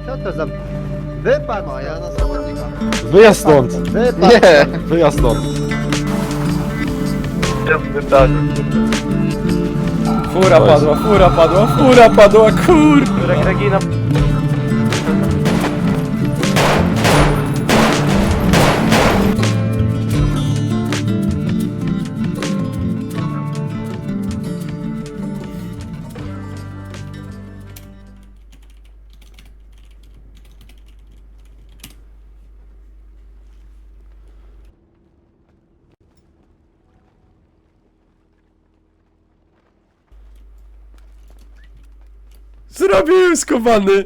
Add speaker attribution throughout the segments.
Speaker 1: Co to za... Wypadł!
Speaker 2: A ja na zawodnika.
Speaker 3: Wyjazd stąd!
Speaker 1: Wypadł!
Speaker 3: Nie! Wyjazd stąd!
Speaker 4: Fura padła, kur!
Speaker 5: Regina.
Speaker 4: Zrobiłem skowany!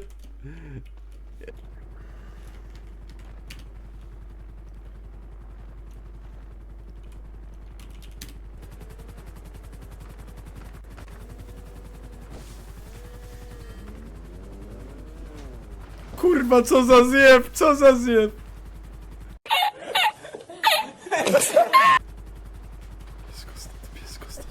Speaker 4: Kurwa, co za zjeb, co za zjeb! Piesko stąd.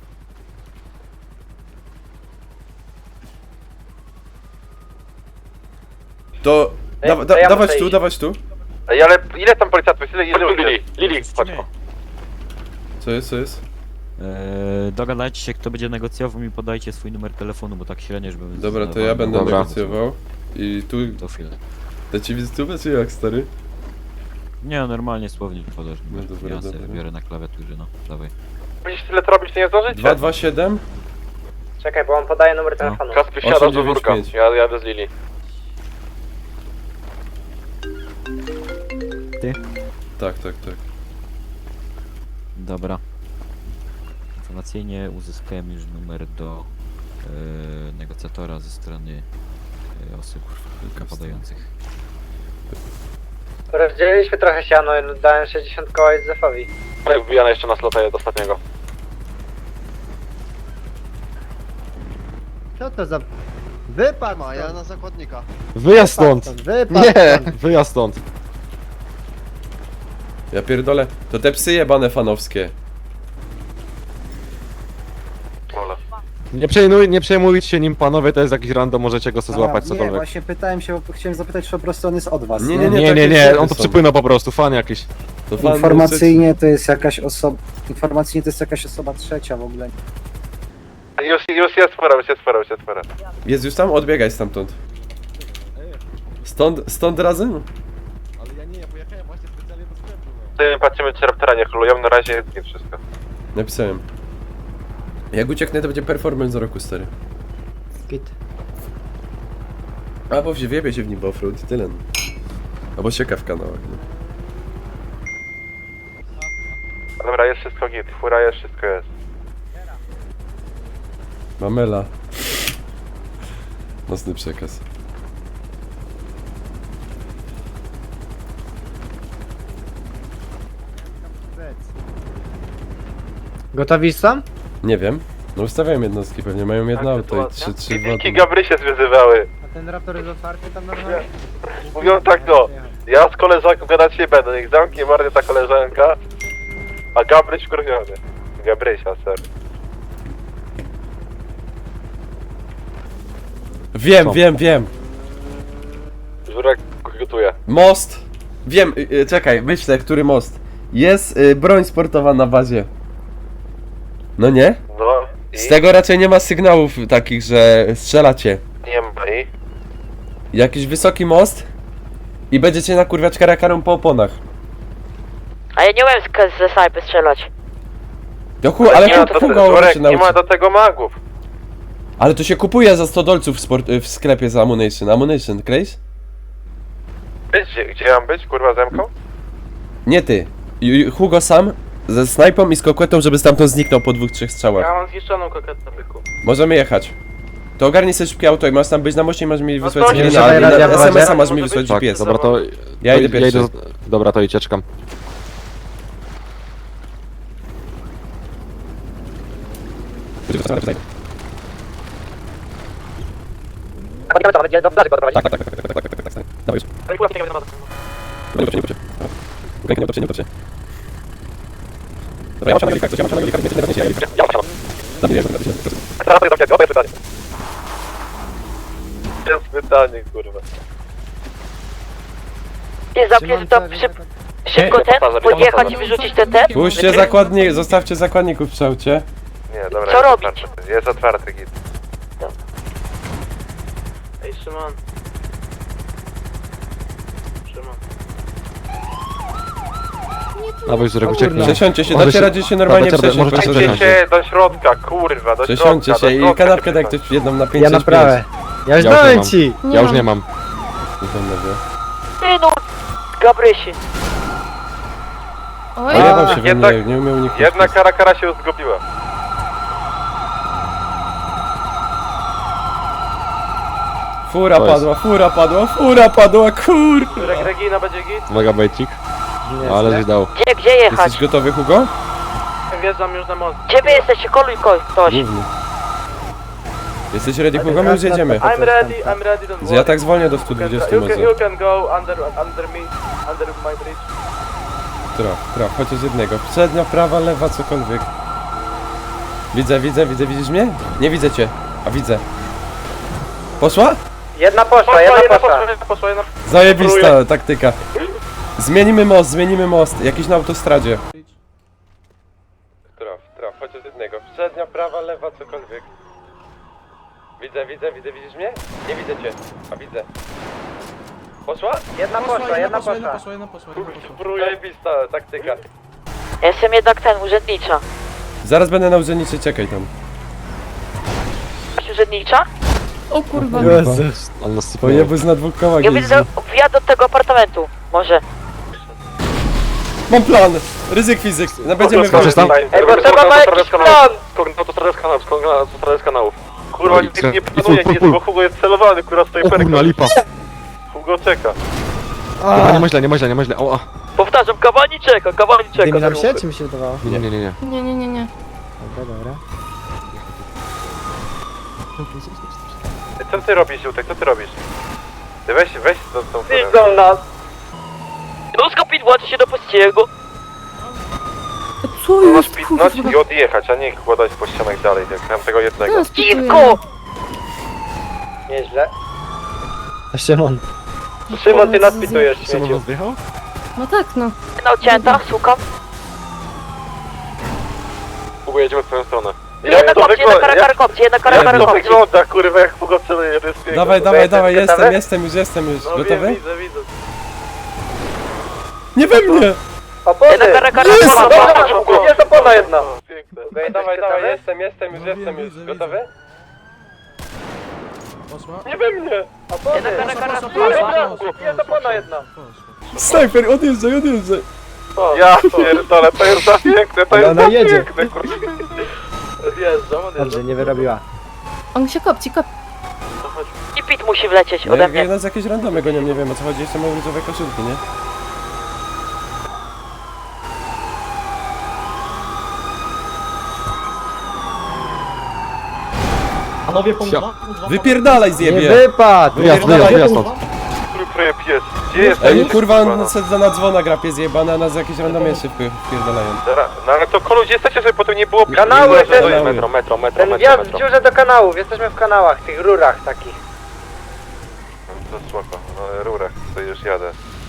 Speaker 4: To... dawać tu.
Speaker 5: Ej, ale ile tam policjantów? Ile Lili, chodź.
Speaker 4: Co jest?
Speaker 6: Dogadajcie się, kto będzie negocjował, mi podajcie swój numer telefonu, bo tak średnio, żeby...
Speaker 4: Dobra, to ja będę
Speaker 3: Dobra.
Speaker 4: negocjował. I tu...
Speaker 6: To chwilę.
Speaker 4: Da ci wizytówę, czy jak, stary?
Speaker 6: Nie, normalnie słownik podasz.
Speaker 4: No dobra,
Speaker 6: Ja sobie
Speaker 4: dobra.
Speaker 6: biorę na klawiaturze, no, dawaj.
Speaker 5: Będziesz tyle to robić, to nie zdążycie?
Speaker 4: 227?
Speaker 1: Czekaj, bo on podaje numer telefonu.
Speaker 5: Kaspi wsiada do
Speaker 4: 895.
Speaker 5: wórka. Ja jadę z Lili.
Speaker 4: Tak.
Speaker 6: Dobra. Informacyjnie uzyskałem już numer do negocjatora ze strony osób podających.
Speaker 1: Rozdzieliliśmy trochę siano, dałem 60 koła Józefowi.
Speaker 5: Wbijane jeszcze na slota do ostatniego.
Speaker 1: Co to za... Wypadł!
Speaker 2: A ja na zakładnika.
Speaker 3: Wyjazd stąd!
Speaker 1: Wypadł!
Speaker 3: Nie! Wyjazd stąd!
Speaker 4: Ja pierdolę. To te psy jebane fanowskie.
Speaker 5: Ole.
Speaker 3: Nie przejmujcie się nim, panowie, to jest jakiś random, możecie go sobie złapać,
Speaker 7: Nie,
Speaker 3: cokolwiek.
Speaker 7: właśnie pytałem się, bo chciałem zapytać, czy po prostu on jest od was.
Speaker 4: Nie,
Speaker 3: Nie, on to
Speaker 4: są.
Speaker 3: przypłynął po prostu, fan jakiś.
Speaker 4: To fan
Speaker 7: Informacyjnie to jest jakaś osoba... Informacyjnie to jest jakaś osoba trzecia w ogóle.
Speaker 5: Już jest fura.
Speaker 4: Jest już tam? Odbiegaj stamtąd. Stąd razem?
Speaker 3: Ale ja nie, ja pojechałem właśnie specjalnie do sklepu.
Speaker 5: Patrzymy, czy raptora nie hulują, na razie jest git wszystko.
Speaker 4: Napisałem. Jak ucieknę, to będzie performance roku, stary.
Speaker 1: Git.
Speaker 4: Albo wjebie się w nim w offroad i tyle. Albo sieka w kanałach, no.
Speaker 5: Dobra, jest wszystko git, fura jest, wszystko jest.
Speaker 4: Mamela. Mocny przekaz.
Speaker 1: Gotowi są?
Speaker 4: Nie wiem. No ustawiałem jednostki, pewnie mają jedno auto i trzy
Speaker 5: Wilki
Speaker 4: wodne.
Speaker 5: Gabrysie zwyzywały.
Speaker 1: A ten raptor jest otwarty tam normalnie?
Speaker 5: Mówią tak, no. Ja z koleżanką gadać nie będę, niech zamknie marnie ta koleżanka. A Gabryś wkurwiony. Gabrysia, ser.
Speaker 4: Wiem.
Speaker 5: Żurek gotuje.
Speaker 4: Most! Wiem, czekaj, myślę, który most. Jest broń sportowa na bazie. No nie?
Speaker 5: No i
Speaker 4: Z tego raczej nie ma sygnałów takich, że strzelacie.
Speaker 5: nie ma i...
Speaker 4: Jakiś wysoki most i będziecie nakurwiać karakarą po oponach.
Speaker 8: A ja nie umiem ze snajpy strzelać.
Speaker 4: Do chuj, ale
Speaker 5: nie, ma do
Speaker 4: Hugo
Speaker 5: Żurek,
Speaker 4: się
Speaker 5: nie ma
Speaker 4: nauczy.
Speaker 5: do tego magów.
Speaker 4: Ale to się kupuje za 100 dolców w sklepie za ammunition. Ammunition, Grace?
Speaker 5: Gdzie mam być, kurwa, zemką?
Speaker 4: Nie ty. Hugo sam ze snajpą i z koketą, żeby stamtąd zniknął po 2-3 strzałach.
Speaker 5: mam zniszczoną koketę, byku.
Speaker 4: Możemy jechać. To ogarnij sobie szybkie auto i masz tam być na moście i masz mi wysłać
Speaker 5: to
Speaker 4: screena,
Speaker 5: nie
Speaker 4: ale
Speaker 1: siadaj,
Speaker 4: na
Speaker 1: radia
Speaker 4: SMS-a
Speaker 1: w
Speaker 4: masz mi
Speaker 5: bazie.
Speaker 4: wysłać
Speaker 3: Tak,
Speaker 4: GPS.
Speaker 3: dobra, to...
Speaker 4: Ja idę pierwszy.
Speaker 3: Dobra, to idź, czekam.
Speaker 1: Będzie do plaży go doprowadzić.
Speaker 4: Dawaj już. Nie utoczy. Nie utoczy. Dobra, ja mam na coś, ja mam na nie Zabijesz,
Speaker 5: Teraz to jest pytanie. Pytanie, kurwa.
Speaker 8: Nie zamknięty to szybko ten, podjechać i wyrzucić ten.
Speaker 4: Puśćcie zakładnik, zostawcie zakładników w aucie.
Speaker 5: Nie, dobra.
Speaker 8: Co
Speaker 5: jest
Speaker 8: robić?
Speaker 5: otwarty. Jest otwarty git.
Speaker 2: Ej, Szymon. Szymon.
Speaker 3: Dawaj, Żurek, ucieknij.
Speaker 4: Przesiądźcie się,
Speaker 3: Może
Speaker 4: dacie
Speaker 3: się-
Speaker 4: radzie się normalnie
Speaker 3: Dobra,
Speaker 4: przesiąść.
Speaker 3: możecie
Speaker 4: proszę.
Speaker 3: przesiąść.
Speaker 5: Idziecie do środka, kurwa, do środka.
Speaker 4: Przesiądźcie się
Speaker 5: do
Speaker 4: i
Speaker 5: środka
Speaker 4: kanapkę daj
Speaker 5: przesiądź.
Speaker 4: ktoś jedną na 5
Speaker 7: Ja naprawę. Ja już
Speaker 3: Ja już nie
Speaker 7: dałem
Speaker 3: mam.
Speaker 7: ci!
Speaker 3: Ja już nie mam.
Speaker 8: Ty no, Gabrysi.
Speaker 9: Oj,
Speaker 4: Pojebał się we
Speaker 5: Jednak-
Speaker 4: mnie, nie umiał uniknąć.
Speaker 5: Jedna kara się zgubiła.
Speaker 4: Fura
Speaker 3: To jest-
Speaker 4: padła, fura padła, kur...
Speaker 2: Regina będzie git?
Speaker 3: Uwaga, bejcik. Ale żeś dał.
Speaker 8: Gdzie jechać?
Speaker 4: Jesteś gotowy, Hugo?
Speaker 2: Wjeżdżam już na most.
Speaker 8: Gdzie wy jesteście? Koluj ktoś.
Speaker 4: Główny. Jesteś ready, Hugo? My już jedziemy.
Speaker 2: I'm ready, don't worry.
Speaker 4: Ja tak zwolnię do 120 może.
Speaker 2: You can go under me, under my bridge.
Speaker 4: Traf, chociaż jednego. Przednia, prawa, lewa, cokolwiek. Widzę, widzisz mnie? Nie widzę cię, a widzę. Poszła?
Speaker 1: Jedna poszła.
Speaker 2: Poszła jedna.
Speaker 4: Zajebista taktyka. Zmienimy most, jakiś na autostradzie. Traf, chociaż jednego. Przednia, prawa, lewa, cokolwiek. Widzę, widzisz mnie? Nie widzę cię, a widzę. Poszła?
Speaker 1: Jedna poszła.
Speaker 4: Zajebista taktyka.
Speaker 8: Ja jestem jednak ten, urzędnicza.
Speaker 4: Zaraz będę na urzędnicy, czekaj tam.
Speaker 8: Urzędnicza?
Speaker 9: o kurwa.
Speaker 3: Ale nas sypnęło.
Speaker 4: Pojebus na dwóch kołach
Speaker 8: Ja
Speaker 4: jeździ.
Speaker 8: widzę wjazd do tego apartamentu. Może.
Speaker 4: Mam plan! Ryzyk fizyk. No będziemy
Speaker 3: Skoczysz tam?
Speaker 1: Ej, bo trzeba ma jakiś plan!
Speaker 5: Skąd autostradę z kanałów. Kurwa,
Speaker 3: Oj,
Speaker 5: nikt
Speaker 3: co?
Speaker 5: nie
Speaker 3: I
Speaker 5: planuje,
Speaker 3: full,
Speaker 5: nic,
Speaker 3: full.
Speaker 5: bo Hugo jest celowany, kurwa, stoi
Speaker 3: O kurna, lipa.
Speaker 5: Hugo czeka.
Speaker 3: Dobra, nie myślę. O, a.
Speaker 8: Powtarzam, kawaniczek.
Speaker 7: Dymi nam się, czy mi się wydawało?
Speaker 3: Nie.
Speaker 9: Nie.
Speaker 7: Dobra.
Speaker 5: Co ty robisz, Jutek, co ty robisz? Ty weź tą furę.
Speaker 1: Widzą nas!
Speaker 8: Rusko włączy się do pościgu.
Speaker 9: Co
Speaker 5: Masz
Speaker 9: jest,
Speaker 5: pisnąć
Speaker 9: kurwa?
Speaker 5: i odjechać, a nie kładać po ścianach dalej, jak mam tego jednego.
Speaker 9: Teraz pituję.
Speaker 8: Dziwko!
Speaker 1: Nieźle.
Speaker 7: A Szymon.
Speaker 1: Szymon, ty nas pitujesz,
Speaker 3: Szymon
Speaker 1: śmieciu.
Speaker 3: nas wjechał?
Speaker 9: No tak, no.
Speaker 8: Na odcięta, szukam.
Speaker 5: Hugo, jedziemy w twoją stronę.
Speaker 8: Jedna kopcie, jedna kara
Speaker 5: jak
Speaker 8: kopcie, jedna
Speaker 5: to
Speaker 8: kara kopcie.
Speaker 5: wygląda, kurwa, jak Hugo celuje, to jest piękne.
Speaker 4: Dawaj,
Speaker 1: gotowy?
Speaker 4: jestem już.
Speaker 2: No
Speaker 4: Gotowy?
Speaker 2: widzę.
Speaker 4: Nie we mnie!
Speaker 1: Opony!
Speaker 8: Jedna kara
Speaker 1: Jest
Speaker 8: kopcie.
Speaker 1: Jest opona jedna!
Speaker 5: Piękne.
Speaker 4: Dawaj, jestem już. Gotowy?
Speaker 5: Nie we mnie!
Speaker 8: Jedna kara
Speaker 1: Jest opona jedna!
Speaker 4: Snajper, odjeżdżaj.
Speaker 5: Ja pierdolę, to jest za piękne, to
Speaker 7: Ale
Speaker 5: jest
Speaker 7: ona
Speaker 5: za
Speaker 7: jedzie.
Speaker 5: piękne, kurwa.
Speaker 2: Odjeżdżam.
Speaker 7: Dobrze, nie wyrobiła.
Speaker 9: On się kopci.
Speaker 8: I pit musi wlecieć
Speaker 4: No
Speaker 8: ode
Speaker 4: jak
Speaker 8: mnie.
Speaker 4: nas jakieś randomy gonią, nie wiem o co chodzi, jeszcze mają różowe koszulki, nie? Wypierdalaj
Speaker 7: Nie
Speaker 4: zjebie!
Speaker 7: wypadł!
Speaker 3: Wyjazd stąd.
Speaker 5: Który pies? Gdzie jest?
Speaker 4: Ej, kurwa, na dzwona gra pies jebany, a nas jakieś randomy jeszcze wpierdalają.
Speaker 5: No ale to kolu, gdzie jesteście, żeby potem nie było...
Speaker 1: Kanały,
Speaker 5: Nie było, że-
Speaker 4: ten-
Speaker 5: metro.
Speaker 1: Ten wjazd w dziurze do kanałów, jesteśmy w kanałach, tych rurach takich.
Speaker 5: To spoko, no rurę, to już jadę.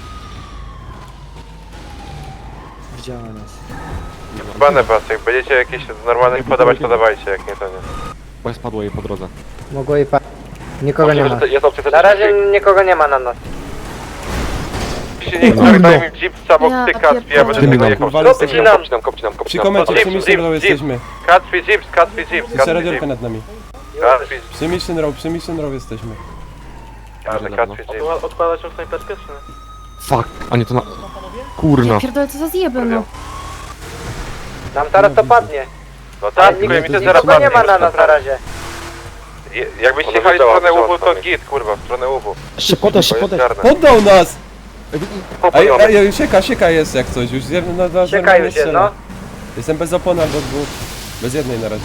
Speaker 7: Widziała nas.
Speaker 5: Bane was, jak będziecie jakieś normalne podawać, to dawajcie, jak nie to nie.
Speaker 3: Bo spadło jej po drodze.
Speaker 7: Mogło jej Nikogo nie ma.
Speaker 5: Jest opcja,
Speaker 1: Na razie nikogo nie ma na nas.
Speaker 5: się nie daj mi jeep obok
Speaker 9: Ja
Speaker 5: ty Kacpi, ja
Speaker 9: pierdolę.
Speaker 5: będę tego jechał.
Speaker 4: Kurwa, jesteśmy
Speaker 5: Kopcinam.
Speaker 4: przy komencie, przy Mission Row jesteśmy.
Speaker 5: Kacpi Jeep.
Speaker 4: Jeszcze radiolka nad nami.
Speaker 5: Kacpi
Speaker 4: Przy Mission Row jesteśmy.
Speaker 5: Jeep.
Speaker 2: Odkładać tą snajperkę, czy nie?
Speaker 3: Fuck, a nie to na... Kurna.
Speaker 9: Ja pierdolę, co za zjeby, no.
Speaker 1: Nam teraz to padnie.
Speaker 5: No tak, tylko mi to zaraz
Speaker 1: Nikogo nie ma na nas na razie.
Speaker 5: Jakbyście jechali w stronę łubu, to git, kurwa, w stronę łubu.
Speaker 7: Szybko,
Speaker 4: Poddał nas!
Speaker 5: Popojomy.
Speaker 4: Ej, sieka jest jak coś, już
Speaker 1: Czekaj już się, no.
Speaker 4: Jestem bez opon albo dwóch. Bez jednej na razie.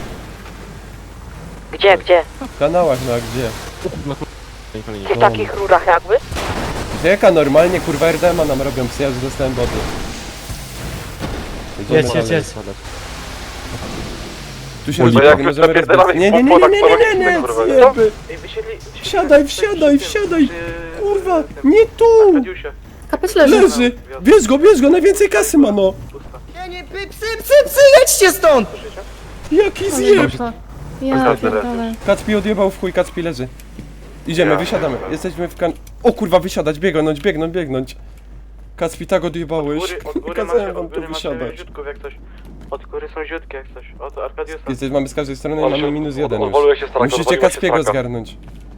Speaker 8: Gdzie?
Speaker 4: W kanałach, no a gdzie?
Speaker 8: W tych takich rurach jakby?
Speaker 4: Jaka normalnie, kurwa RDMA nam robią psy, ja już dostałem boty. Jedziemy dalej.
Speaker 7: Jedź.
Speaker 4: Tu Tu się
Speaker 5: Bo
Speaker 4: rozbiegnie,
Speaker 5: jak już
Speaker 4: możemy
Speaker 5: napierdalamy
Speaker 4: rozbiec. Nie,
Speaker 5: ich
Speaker 4: nie, nie,
Speaker 5: po
Speaker 4: nie,
Speaker 5: podach,
Speaker 4: nie,
Speaker 5: to
Speaker 4: nie, nie, nie,
Speaker 5: kurwa.
Speaker 4: zjeby.
Speaker 2: Ej, wysiedli...
Speaker 4: Wsiadaj, wsiadaj, wsiadaj. Kurwa, nie tu!
Speaker 2: Arkadiusie.
Speaker 9: Kapeć leży.
Speaker 4: Leży! Bierz go, najwięcej kasy ma, no!
Speaker 2: Pusta.
Speaker 7: jedźcie stąd!
Speaker 4: Jaki zjeb!
Speaker 9: Ja pierdolę.
Speaker 4: Kacpi odjebał w chuj, Kacpi leży. Idziemy, wysiadamy. Jesteśmy w kan... O kurwa, wysiadać, biegnąć. Kacpi tak odjebałeś.
Speaker 2: Od góry
Speaker 4: Kazałem wam
Speaker 2: od
Speaker 4: tu
Speaker 2: góry macie
Speaker 4: wysiadać.
Speaker 2: ziutków jak coś. Od góry są ziutki jak coś. Od Arkadiusa.
Speaker 4: Mamy z każdej strony i mamy minus 1 już.
Speaker 5: Odwoliłeś się straka,
Speaker 4: Musicie
Speaker 5: odwoliłeś się
Speaker 4: Kacpiego
Speaker 5: straka.
Speaker 4: zgarnąć.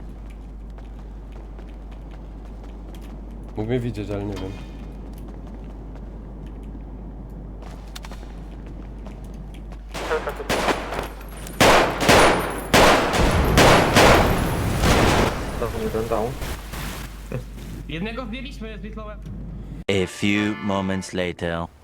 Speaker 4: Mógł mnie widzieć, ale nie wiem.
Speaker 10: Jednego wbiliśmy z Bitlowem.
Speaker 6: A few moments later.